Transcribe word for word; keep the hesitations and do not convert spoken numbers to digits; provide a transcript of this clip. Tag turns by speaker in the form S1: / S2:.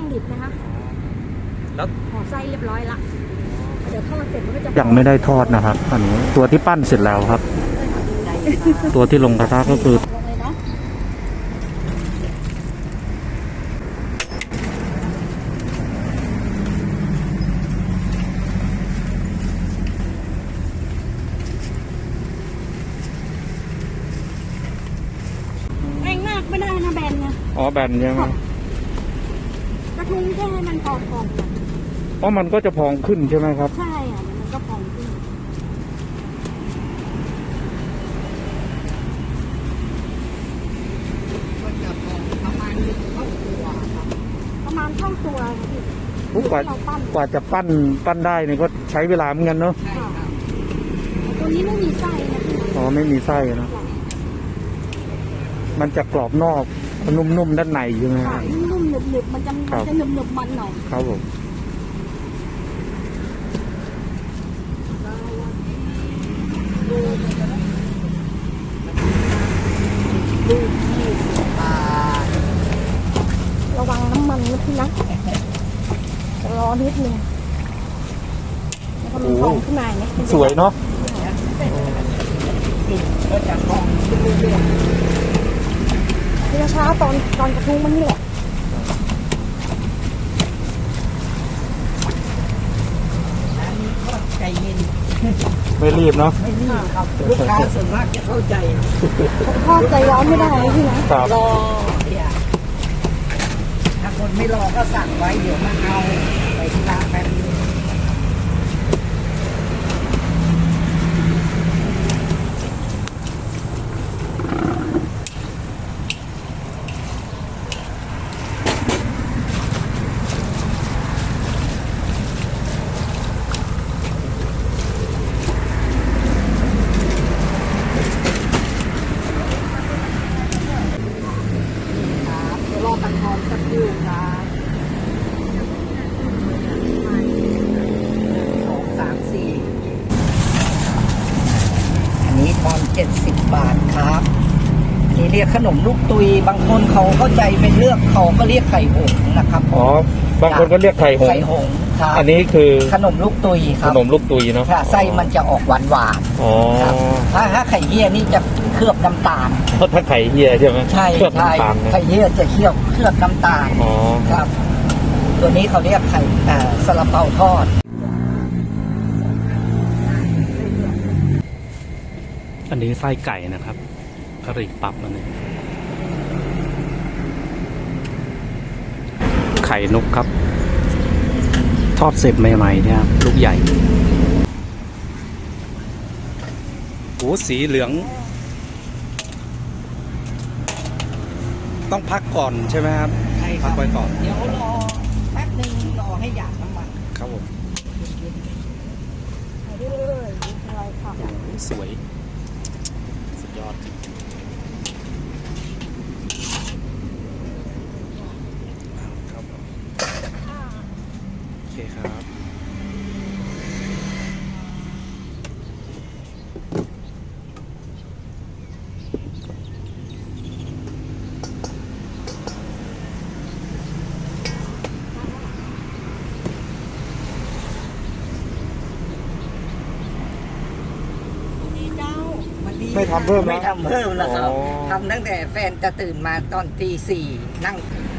S1: ดิบนะคะ
S2: แล้ว
S1: ห่อไส้เรียบร้อยละเดี๋ยวทอดเสร็จมันก็จะ
S2: ยังไม่ได้ทอดนะครับอันนี้ตัวที่ปั้นเสร็จแล้วครับ ตัวที่ลงกระทะก็คือ
S1: แรงมากไม่ได้นะแบนนะ
S2: อ๋อแบนใช่ไหม
S1: กระทุ้งแค่ให้มันพองๆ
S2: เพราะมันก็จะพองขึ้นใช่ไหมครับ
S1: ใช่อ่ะมันก็พองขึ้นประมาณเท่าตัวประมาณเท่าตัวพี่
S2: กว่ากว่าจะปั้นปั้นได้นี่ก็ใช้เวลาเหมือนกันเนาะ
S1: ตัวนี้ไม่มีไส้นะพี่
S2: อ๋อไม่มีไส้นะมันจะกรอบนอกนุ่มๆด้านในใช่ไหมครับ
S1: นุ่มๆหนึบๆมันจะมันจะหนึบๆมันหน่อย
S2: ครับผม
S1: ระวังน้ำมันนะพี่นะรอนิดนึงแล้วก็มีฟองขึ้นมาเนี่ย
S2: สวยเนาะ
S1: ก็จะฟองขึ้นเรื่อยๆที่ช้าตอนตอนกระทุ้งมันนี่แหละใจเย็น
S2: ไม่รีบเนาะ
S1: ไม่รีบครับลูกค้าส่วนมากจะเข้าใจทอดใจร้อนไม่ได้พี่นะรอเนี่ยถ้าคนไม่รอก็สั่งไว้เดี๋ยวมาเอาไปที่ร้านแป๊บนึงรอตังทองสักครู่ครับสองสามสี่อันนี้ทอนเจ็ดสิบบาทครับอันนี้เรียกขนมลูกตุยบางคนเขาเข้าใจเป็นเลือกเขาก็เรียกไข่หงนะครับ
S2: อ๋อบางคนก็เรียกไข่หง
S1: ไข่หงครับ
S2: อันนี้คือ
S1: ขนมลูกตุยครับ
S2: ขนมลูกตุยเนาะ
S1: ไส้มันจะออกหวานหวาน
S2: อ๋อ
S1: ถ้าถ้าไข่เหี้ยนี่จะเคลือบน้ำตาล
S2: เพราะถ้าไข่เหี้ยใช่ไหม
S1: ใช่ใช่ไข่เหี้ยจะเคี่ยวเคลือบน้ำตาล
S2: อ๋อ
S1: ครับตัวนี้เขาเรียกไข่ซาลาเปาทอด
S2: อันนี้ไส้ไก่นะครับกะหรี่ปั๊บอันนี้ไข่นกครับทอดเสร็จใหม่ๆเนี่ยครับลูกใหญ่โอ้สีเหลืองต้องพักก่อนใช่ไหมครับ
S1: ใช่
S2: พักไว้ก่อน
S1: เดี๋ยวรอแป๊บนึงรอให้หยาดน้ำมัน
S2: ครับผม
S1: เรื่อยๆอะไรค่ะ
S2: สวยสุดยอดครับโอเคครับไม่ทำเพิ่ม
S1: ไม่ทำเพิ่มแล้วครับทำตั้งแต่แฟนจะตื่นมาตอนตีสี่นั่ง